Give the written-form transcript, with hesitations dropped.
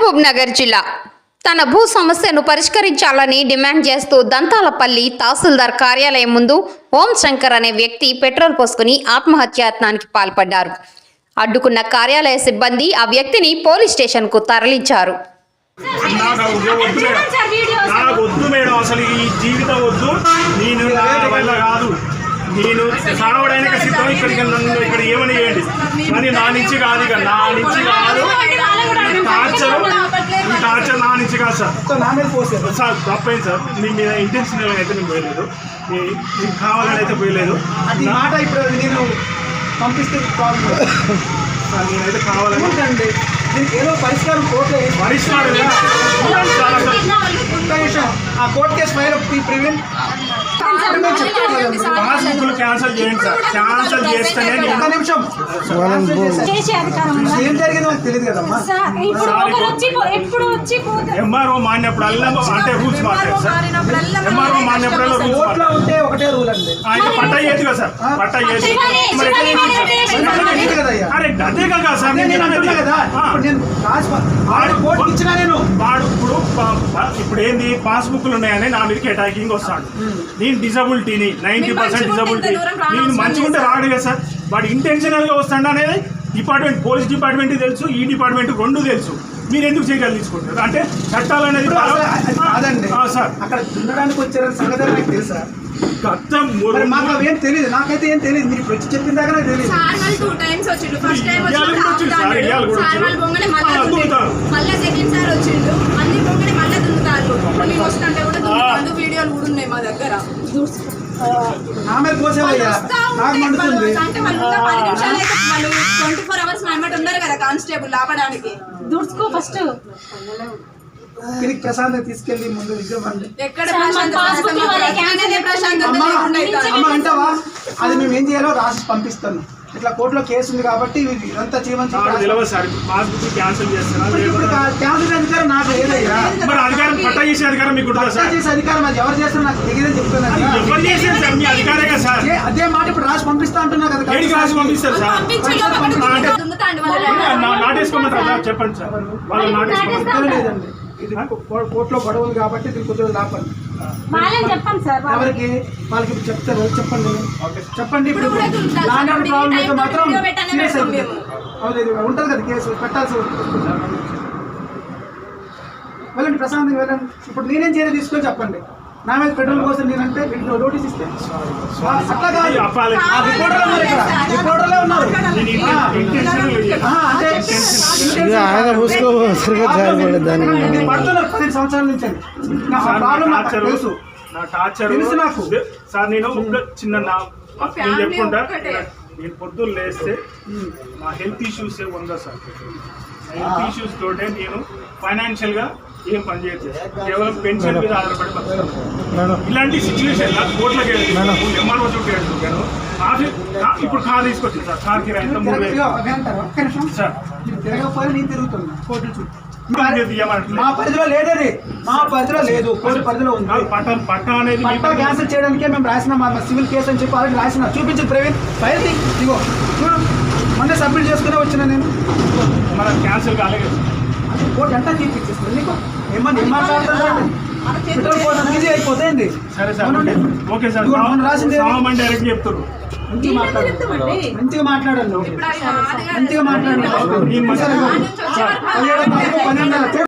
మహబూబ్ నగర్ జిల్లా తన భూ సమస్యను పరిష్కరించాలని డిమాండ్ చేస్తూ దంతాలపల్లి తహసీల్దార్ కార్యాలయం ముందు ఓం శంకర్ అనే వ్యక్తి పెట్రోల్ పోసుకుని ఆత్మహత్యాయత్నానికి పాల్పడ్డారు. అడ్డుకున్న కార్యాలయ సిబ్బంది ఆ వ్యక్తిని పోలీస్ స్టేషన్ కు తరలించారు. నేను సావడానికి సిద్ధం. ఇక్కడికి నన్ను ఇక్కడ ఏమని చేయండి కానీ నా నుంచి కాదు, ఇక నా నుంచి కాదు. టార్చర్ నా నుంచి కాదు సార్. సార్ తప్పైంది సార్. మీ మీద ఇంటెన్షనల్గా అయితే నేను పోయలేదు, మీకు కావాలని అయితే పోయలేదు. మాట ఇప్పుడు నేను పంపిస్తే సార్ నేనైతే కావాలండి. దీనికి ఏదో పరిష్కారం పరిష్కారం ఆ కోర్టు కేసు ఫైల్ ప్రివెంట్ పాస్బుక్లు క్యాన్సిల్ చేయండి సార్. క్యాన్సిల్ చేస్తేనే ఒక నిమిషం ఏం జరిగిందో నాకు తెలియదు కదమ్మా. ఎంఆర్ఓ మాన్యప్పుడు అంటే రూల్స్ మాట్లాడు సార్. ఎంఆర్ఓ మాన్యప్పుడు కోర్టులో ఉంటే ఒకటే రూల్ అండి. అయితే పట్టా చేయదు కదా సార్. పట్టా చేసి అరే అదే కదా సార్. నేను అంటున్నా కదా, నేను కోర్టు ఇచ్చినా నేను వాడు ఇప్పుడు ఏంది పాస్బుక్లు ఉన్నాయని నా మీదకి అటాకింగ్ వస్తాడు. నేను డిజబిలిటీని 90% డిజబిలిటీ. నేను మంచిగా ఉంటే రాడు కదా సార్. వాడు ఇంటెన్షనల్గా వస్తాడు అనేది డిపార్ట్మెంట్, పోలీస్ డిపార్ట్మెంట్ తెలుసు, ఈ డిపార్ట్మెంట్ రెండు తెలుసు. మీరు ఎందుకు చేయగలి తీసుకుంటారు అంటే చట్టాలు అనేది కాదండి సార్. అక్కడ దున్నడానికి వచ్చారని సంగతి నాకు తెలుసా? మాకు ఏం తెలియదు, నాకైతే ఏం తెలియదు. మీరు ఇప్పుడు వచ్చి చెప్పిన దాకా నాకు తెలియదు. నా మీద పోసేవయ్యా, నాకు మండుతుంది. 24 hours ఉన్నారు కదా కానిస్టేబుల్ ఆపడానికి. దూడ్చుకో ఫస్ట్ ప్రశాంత్ తీసుకెళ్ళి ముందు విజయవాడ ఎక్కడ అంటావా? అది మేము ఏం చేయాలో రాసి పంపిస్తాను. ఇట్లా కోర్టులో కేసు ఉంది కాబట్టి ఇదంతా చేయమని క్యాన్సిల్ అధికారం నాకు లేదయ్యా. పట్టా చేసే అధికారం మీకు చేసే అధికారం అది ఎవరు చేస్తారో నాకు తెలియదని చెప్తున్నాను. అదే మాట ఇప్పుడు రాసి పంపిస్తా అంటున్నా కదా. రాసి పంపిస్తారు సార్. నాటేసుకోమంటారా చెప్పండి సార్. వాళ్ళు నాటేసుకోమంటారు లేదండి. ఇది కోర్టులో గొడవ ఉంది కాబట్టి ఇది కొద్దిగా లాపండి. ఎవరికి వాళ్ళకి చెప్తారు, చెప్పండి చెప్పండి. ఇప్పుడు లాంటి ప్రాబ్లం అయితే మాత్రం సీరియస్ అయిపోతుంది. ఉంటుంది కదా కేసు పెట్టాల్సి వస్తుంది. వెళ్ళండి ప్రశాంతంగా వెళ్ళండి. ఇప్పుడు నేనేం చేయాలి తీసుకొని చెప్పండి. నా మీద పెట్రోల్ కోసం నేనంటే నోటీస్ ఇస్తే రిపోర్టర్లే ఉన్నారు. పడుతున్నారు 10 సంవత్సరాల నుంచి. తెలుసు నా టార్చర్ తెలుసు నాకు సార్. నేను చిన్న చెప్పుకుంటా. నేను పొద్దున్న లేస్తే నా హెల్త్ ఇష్యూస్ ఉందా సార్. హెల్త్ ఇష్యూస్ తోటే నేను ఫైనాన్షియల్గా ఏం పని చేయొచ్చు, కేవలం పెన్షన్ మీద ఆధారపడి బతుకుతాను. ఇలాంటి సిచ్యువేషన్ కోట్లకి ఎంఆర్ఓ చుట్టూ వెళ్తున్నాను. ఇప్పుడు కార్ తీసుకొచ్చింది సార్. కార్ కిరాయి సార్ తిరగకపోయి నేను తిరుగుతున్నా కోర్టు చుట్టూ. మా పరిధిలో లేదది, మా పరిధిలో లేదు, కోర్టు పరిధిలో ఉంది. పట్టా అనేది పట్టా క్యాన్సిల్ చేయడానికే మేము రాసిన మా సివిల్ కేసు అని చెప్పి ఆల్రెడీ రాసిన. చూపించి ప్రవీణ్ ఫైల్ ఇగో చూడు, మొన్న సబ్మిట్ చేసుకునే వచ్చిన నేను. మనం క్యాన్సిల్ కాలేదు. కోర్టు ఎంత తీర్పిచ్చేస్తుంది నీకు? ఏమన్నా ఏం మాట్లాడుతున్నాడు? పెట్రోల్ కోసం ఈజీ అయిపోతుంది. సరే సార్, ఓకే సార్. రాసింది డైరెక్ట్ చెప్తారు. మంచిగా మాట్లాడండి, మంచిగా మాట్లాడండి.